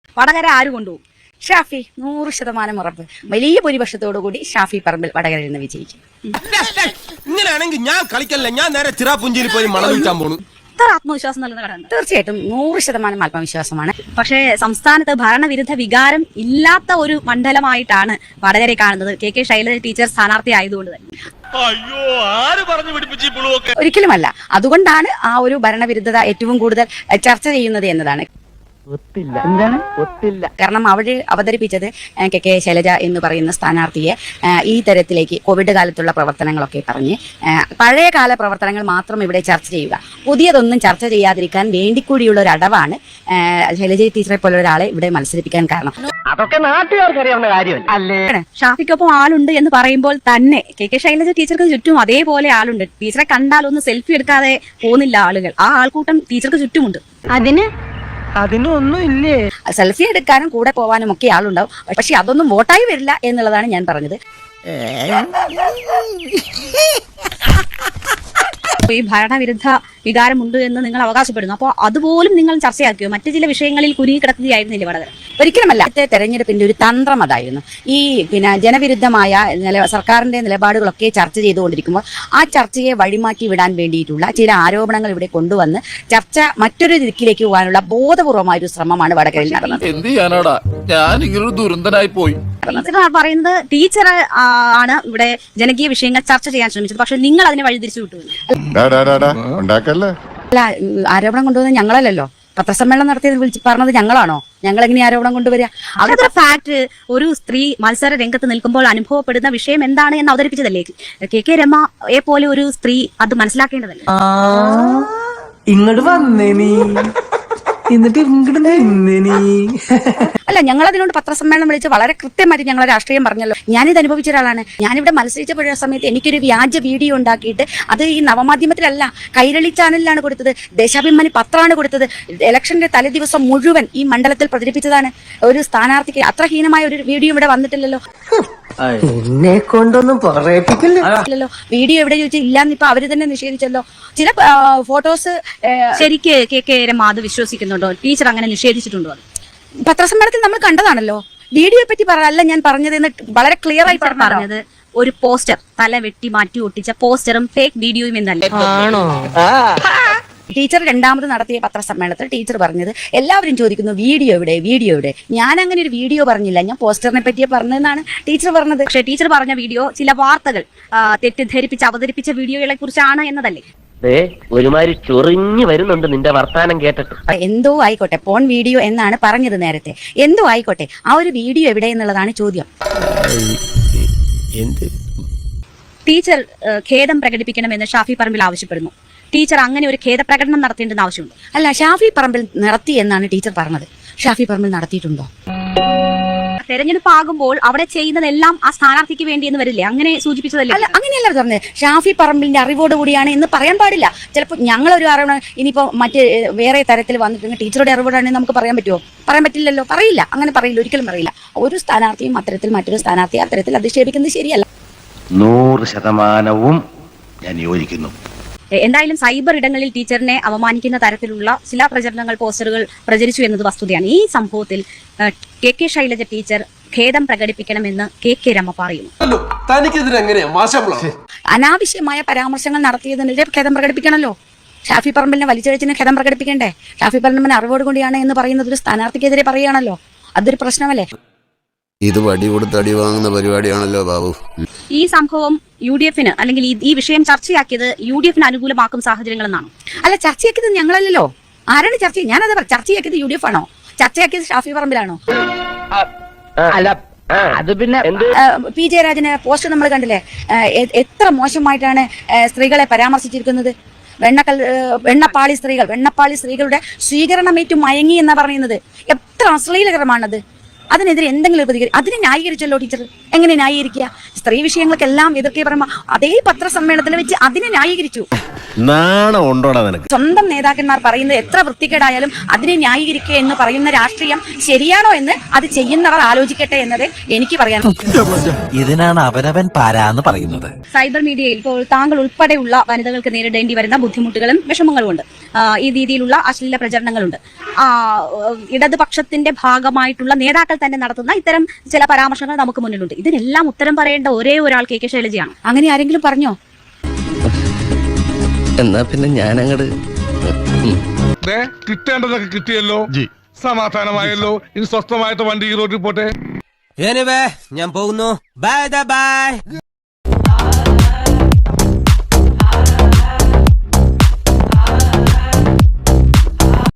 വടകര ആര് കൊണ്ടുപോകും? ഷാഫി. 100% ഉറപ്പ്. വലിയ ഭൂരിപക്ഷത്തോടുകൂടി ഷാഫി പറമ്പിൽ വടകരയിൽ നിന്ന് വിജയിക്കും. ഇങ്ങനെയാണെങ്കിൽ ഞാൻ കളിക്കല്ല, ഞാൻ നേരെ ചിറാപുഞ്ചിയിൽ പോയി മണം വിൽക്കാൻ പോണു. ആത്മവിശ്വാസം നൽകുന്ന ഘടന തീർച്ചയായിട്ടും 100% ആത്മവിശ്വാസമാണ്. പക്ഷേ സംസ്ഥാനത്ത് ഭരണവിരുദ്ധ വികാരം ഇല്ലാത്ത ഒരു മണ്ഡലമായിട്ടാണ് വടകരെ കാണുന്നത്. കെ ശൈലജ ടീച്ചർ സ്ഥാനാർത്ഥി ആയതുകൊണ്ട് തന്നെ. അയ്യോ, ആര് പറഞ്ഞു പിടിപ്പിച്ചു? ഒരിക്കലുമല്ല. അതുകൊണ്ടാണ് ആ ഒരു ഭരണവിരുദ്ധത ഏറ്റവും കൂടുതൽ ചർച്ച ചെയ്യുന്നത് എന്നതാണ്. കാരണം അവിടെ അവതരിപ്പിച്ചത് കെ ശൈലജ എന്ന് പറയുന്ന സ്ഥാനാർത്ഥിയെ ഈ തരത്തിലേക്ക് കോവിഡ് കാലത്തുള്ള പ്രവർത്തനങ്ങളൊക്കെ പറഞ്ഞ് പഴയ കാല പ്രവർത്തനങ്ങൾ മാത്രം ഇവിടെ ചർച്ച ചെയ്യുക, പുതിയതൊന്നും ചർച്ച ചെയ്യാതിരിക്കാൻ വേണ്ടിക്കൂടിയുള്ള ഒരു അടവാണ് ശൈലജ ടീച്ചറെ പോലെ ഒരാളെ ഇവിടെ മത്സരിപ്പിക്കാൻ കാരണം. അതൊക്കെ നാട്ടുകാർക്കറിയാവുന്ന കാര്യമല്ലേ. ഷാഫിക്കൊപ്പം ആളുണ്ട് എന്ന് പറയുമ്പോൾ തന്നെ കെ ശൈലജ ടീച്ചർക്ക് ചുറ്റും അതേപോലെ ആളുണ്ട്. ടീച്ചറെ കണ്ടാൽ ഒന്ന് സെൽഫി എടുക്കാതെ പോകുന്നില്ല ആളുകൾ. ആ ആൾക്കൂട്ടം ടീച്ചർക്ക് ചുറ്റുമുണ്ട്. അതിനൊന്നും ഇല്ലേ? സെൽഫി എടുക്കാനും കൂടെ പോവാനും ഒക്കെ ആളുണ്ടാവും. പക്ഷെ അതൊന്നും വോട്ടായി വരില്ല എന്നുള്ളതാണ് ഞാൻ പറഞ്ഞത്. ഈ ഭരണവിരുദ്ധ വികാരമുണ്ട് എന്ന് നിങ്ങൾ അവകാശപ്പെടുന്നു. അപ്പോൾ അതുപോലും നിങ്ങൾ ചർച്ചയാക്കിയോ? മറ്റു ചില വിഷയങ്ങളിൽ കുരുങ്ങി കിടക്കുകയായിരുന്നില്ലേ വടകര? ഒരിക്കലുമല്ല. തെരഞ്ഞെടുപ്പിന്റെ ഒരു തന്ത്രം അതായിരുന്നു. ഈ ജനവിരുദ്ധമായ സർക്കാരിന്റെ നിലപാടുകളൊക്കെ ചർച്ച ചെയ്തുകൊണ്ടിരിക്കുമ്പോൾ ആ ചർച്ചയെ വഴിമാറ്റി വിടാൻ വേണ്ടിയിട്ടുള്ള ചില ആരോപണങ്ങൾ ഇവിടെ കൊണ്ടുവന്ന് ചർച്ച മറ്റൊരു ദിക്കിലേക്ക് പോകാനുള്ള ബോധപൂർവമായ ഒരു ശ്രമമാണ് വടകരയിൽ നടന്നത്. ടീച്ചർ പറയുന്നത് ടീച്ചർ ആണ് ഇവിടെ ജനകീയ വിഷയങ്ങൾ ചർച്ച ചെയ്യാൻ ശ്രമിച്ചത്. പക്ഷെ നിങ്ങൾ അതിനെ വഴിതിരിച്ചു വിട്ടു. അല്ല, ആരോപണം കൊണ്ടുവന്നത് ഞങ്ങളല്ലല്ലോ. പത്രസമ്മേളനം നടത്തിയത് പറഞ്ഞത് ഞങ്ങളാണോ? ഞങ്ങൾ എങ്ങനെ ആരോപണം കൊണ്ടുവരിക? അതൊരു ഫാക്ട്. ഒരു സ്ത്രീ മത്സര രംഗത്ത് നിൽക്കുമ്പോൾ അനുഭവപ്പെടുന്ന വിഷയം എന്താണ് എന്ന് അവതരിപ്പിച്ചതല്ലേ കെ രമയെ പോലെ ഒരു സ്ത്രീ അത് മനസ്സിലാക്കേണ്ടതല്ലേ? ഇങ്ങോട്ട് വന്നേ നീ, എന്നിട്ട് ഇങ്ങോട്ട് നിന്നേ നീ. അല്ല, ഞങ്ങളതിനോട് പത്രസമ്മേളനം വിളിച്ച് വളരെ കൃത്യമായിട്ട് ഞങ്ങളെ രാഷ്ട്രീയം പറഞ്ഞല്ലോ. ഞാനിത് അനുഭവിച്ച ഒരാളാണ്. ഞാനിവിടെ മത്സരിച്ചപ്പോഴ സമയത്ത് എനിക്കൊരു വ്യാജ വീഡിയോ ഉണ്ടാക്കിയിട്ട് അത് ഈ നവമാധ്യമത്തിലല്ല, കൈരളി ചാനലിലാണ് കൊടുത്തത്, ദേശാഭിമാനി പത്രമാണ് കൊടുത്തത്. ഇലക്ഷന്റെ തലേദിവസം മുഴുവൻ ഈ മണ്ഡലത്തിൽ പ്രചരിപ്പിച്ചതാണ്. ഒരു സ്ഥാനാർത്ഥിക്ക് അത്ര ഹീനമായ ഒരു വീഡിയോ ഇവിടെ വന്നിട്ടില്ലല്ലോ. എന്നെ കൊണ്ടൊന്നും പറയിപ്പിക്കില്ലല്ലോ. വീഡിയോ എവിടെ ചോദിച്ചാൽ ഇല്ലാന്ന് ഇപ്പൊ അവര് തന്നെ നിഷേധിച്ചല്ലോ. ചില ഫോട്ടോസ് ശരിക്ക് കെ രമ അത് വിശ്വസിക്കുന്നുണ്ടോ? ടീച്ചർ അങ്ങനെ നിഷേധിച്ചിട്ടുണ്ടോ? പത്രസമ്മേളനത്തിൽ നമ്മൾ കണ്ടതാണല്ലോ. വീഡിയോയെ പറ്റി പറയല്ല ഞാൻ പറഞ്ഞതെന്ന് വളരെ ക്ലിയർ ആയി പറഞ്ഞത്. ഒരു പോസ്റ്റർ തല വെട്ടി മാറ്റി ഒട്ടിച്ച പോസ്റ്ററും ഫേക്ക് വീഡിയോയും എന്നല്ലേ? ടീച്ചർ രണ്ടാമത് നടത്തിയ പത്രസമ്മേളനത്തിൽ ടീച്ചർ പറഞ്ഞത് എല്ലാവരും ചോദിക്കുന്നു വീഡിയോ എവിടെ, വീഡിയോ എവിടെ? ഞാൻ അങ്ങനെ ഒരു വീഡിയോ പറഞ്ഞില്ല, ഞാൻ പോസ്റ്ററിനെ പറ്റിയേ പറഞ്ഞതെന്നാണ് ടീച്ചർ പറഞ്ഞത്. പക്ഷേ ടീച്ചർ പറഞ്ഞ വീഡിയോ ചില വാർത്തകൾ തെറ്റിദ്ധരിപ്പിച്ച് അവതരിപ്പിച്ച വീഡിയോകളെ കുറിച്ചാണ് എന്നതല്ലേ? ഒരുമാതിരി ചൊറിഞ്ഞു വരുന്നുണ്ട് നിന്റെ വർത്താനം കേട്ടിട്ട്. എന്തോ ആയിക്കോട്ടെ, പോൺ വീഡിയോ എന്നാണ് പറഞ്ഞത് നേരത്തെ. എന്തോ ആയിക്കോട്ടെ, ആ ഒരു വീഡിയോ എവിടെ എന്നുള്ളതാണ് ചോദ്യം. ടീച്ചർ ഖേദം പ്രകടിപ്പിക്കണമെന്ന് ഷാഫി പറമ്പിൽ ആവശ്യപ്പെടുന്നു. ടീച്ചർ അങ്ങനെ ഒരു ഖേദപ്രകടനം നടത്തേണ്ടെന്ന് ആവശ്യമുണ്ട്. അല്ല, ഷാഫി പറമ്പിൽ നടത്തി എന്നാണ് ടീച്ചർ പറഞ്ഞത്. ഷാഫി പറമ്പിൽ നടത്തിയിട്ടുണ്ടോ? തെരഞ്ഞെടുപ്പ് ആകുമ്പോൾ അവിടെ ചെയ്യുന്നതെല്ലാം ആ സ്ഥാനാർത്ഥിക്ക് വേണ്ടി എന്ന് വരില്ലേ? അങ്ങനെ സൂചിപ്പിച്ചതല്ലേ? അല്ല, അങ്ങനെയല്ല പറഞ്ഞത്. ഷാഫി പറമ്പിലിന്റെ അറിവോട് കൂടിയാണ് എന്ന് പറയാൻ പാടില്ല. ചിലപ്പോൾ ഞങ്ങളൊരു അറിവ് ഇനിയിപ്പോ മറ്റ് വേറെ തരത്തിൽ വന്നിട്ടുണ്ടെങ്കിൽ ടീച്ചറുടെ അറിവോടാണെങ്കിൽ നമുക്ക് പറയാൻ പറ്റുമോ? പറയാൻ പറ്റില്ലല്ലോ. പറയില്ല, അങ്ങനെ പറയില്ല, ഒരിക്കലും പറയില്ല. ഒരു സ്ഥാനാർത്ഥിയും അത്തരത്തിൽ മറ്റൊരു സ്ഥാനാർത്ഥിയെ അത്തരത്തിൽ അധിക്ഷേപിക്കുന്നത് ശരിയല്ല. 100% ഞാൻ യോജിക്കുന്നു. എന്തായാലും സൈബർ ഇടങ്ങളിൽ ടീച്ചറിനെ അവമാനിക്കുന്ന തരത്തിലുള്ള ചില പ്രചരണങ്ങൾ, പോസ്റ്ററുകൾ പ്രചരിച്ചു എന്നത് വസ്തുതയാണ്. ഈ സംഭവത്തിൽ കെ ശൈലജ ടീച്ചർ ഖേദം പ്രകടിപ്പിക്കണമെന്ന് കെ രമ പറയുന്നു. അനാവശ്യമായ പരാമർശങ്ങൾ നടത്തിയതിനെതിരെ ഖേദം പ്രകടിപ്പിക്കണമല്ലോ. ഷാഫി പറമ്പിലിനെ വലിച്ചഴിച്ചിന് ഖേദം പ്രകടിപ്പിക്കണ്ടേ? ഷാഫി പറമ്പിലിന് അറിവോട് കൂടിയാണ് എന്ന് പറയുന്നത് ഒരു സ്ഥാനാർത്ഥിക്കെതിരെ പറയുകയാണല്ലോ. അതൊരു പ്രശ്നമല്ലേ? ഇത് വടി കൊടുത്ത് അടി വാങ്ങുന്ന പരിപാടിയാണല്ലോ ബാബു. ഈ സംഭവം UDF അല്ലെങ്കിൽ ഈ വിഷയം ചർച്ചയാക്കിയത് UDF അനുകൂലമാക്കും സാഹചര്യങ്ങളെന്നാണ്. അല്ല, ചർച്ചയാക്കിയത് ഞങ്ങളല്ലല്ലോ. ആരാണ് ചർച്ച? ഞാനത് ചർച്ചയാക്കിയത് UDF ആണോ? ചർച്ചയാക്കിയത് ഷാഫി പറമ്പിലാണോ? അല്ല, അത് പിന്നെ പി ജയരാജന് പോസ്റ്റ് നമ്മൾ കണ്ടില്ലേ? എത്ര മോശമായിട്ടാണ് സ്ത്രീകളെ പരാമർശിച്ചിരിക്കുന്നത്. വെണ്ണപ്പാളി സ്ത്രീകളുടെ സ്വീകരണമേറ്റു മയങ്ങി എന്നാ പറയുന്നത്. എത്ര അശ്ലീലകരമാണത്. അതിനെതിരെ എന്തെങ്കിലും അതിനെ ന്യായീകരിച്ചല്ലോ ടീച്ചർ. എങ്ങനെ ന്യായീകരിക്കുക? സ്ത്രീ വിഷയങ്ങൾക്കെല്ലാം എതിർക്കെ പറയുമ്പോ അതേ പത്രസമ്മേളനത്തിൽ വെച്ച് അതിനെ ന്യായീകരിച്ചു. നാണം ഉണ്ടോടാ നിനക്ക്? സ്വന്തം നേതാക്കന്മാർ പറയുന്നത് എത്ര വൃത്തികേടായാലും അതിനെ ന്യായീകരിക്കുക എന്ന് പറയുന്ന രാഷ്ട്രീയം ശരിയാണോ എന്ന് അത് ചെയ്യുന്നവർ ആലോചിക്കട്ടെ എന്നത് എനിക്ക് പറയാൻ. ഇതിനാണ് അവനവൻ പാരാന്ന് പറയുന്നത്. സൈബർ മീഡിയയിൽ ഇപ്പോൾ താങ്കൾ ഉൾപ്പെടെയുള്ള വനിതകൾക്ക് നേരിടേണ്ടി വരുന്ന ബുദ്ധിമുട്ടുകളും വിഷമങ്ങളും ഉണ്ട്. ഈ രീതിയിലുള്ള അശ്ലീല പ്രചരണങ്ങളുണ്ട്. ഇടതുപക്ഷത്തിന്റെ ഭാഗമായിട്ടുള്ള നേതാക്കൾ തന്നെ നടത്തുന്ന ഇത്തരം ചില പരാമർശങ്ങൾ നമുക്ക് മുന്നിലുണ്ട്. ഇതിനെല്ലാം ഉത്തരം പറയേണ്ട ഒരേ ഒരാൾ കെ ശൈലജയാണ്. അങ്ങനെ ആരെങ്കിലും പറഞ്ഞോ? എന്നാ പിന്നെ ഞാൻ അങ്ങട് കിട്ടേണ്ടതൊക്കെ കിട്ടിയല്ലോ, സമാധാനമായല്ലോ. ഇനി സ്വസ്ഥമായിട്ട് വണ്ടി ഈ റോഡിൽ പോട്ടെ. ഞാൻ പോകുന്നു. ബൈ.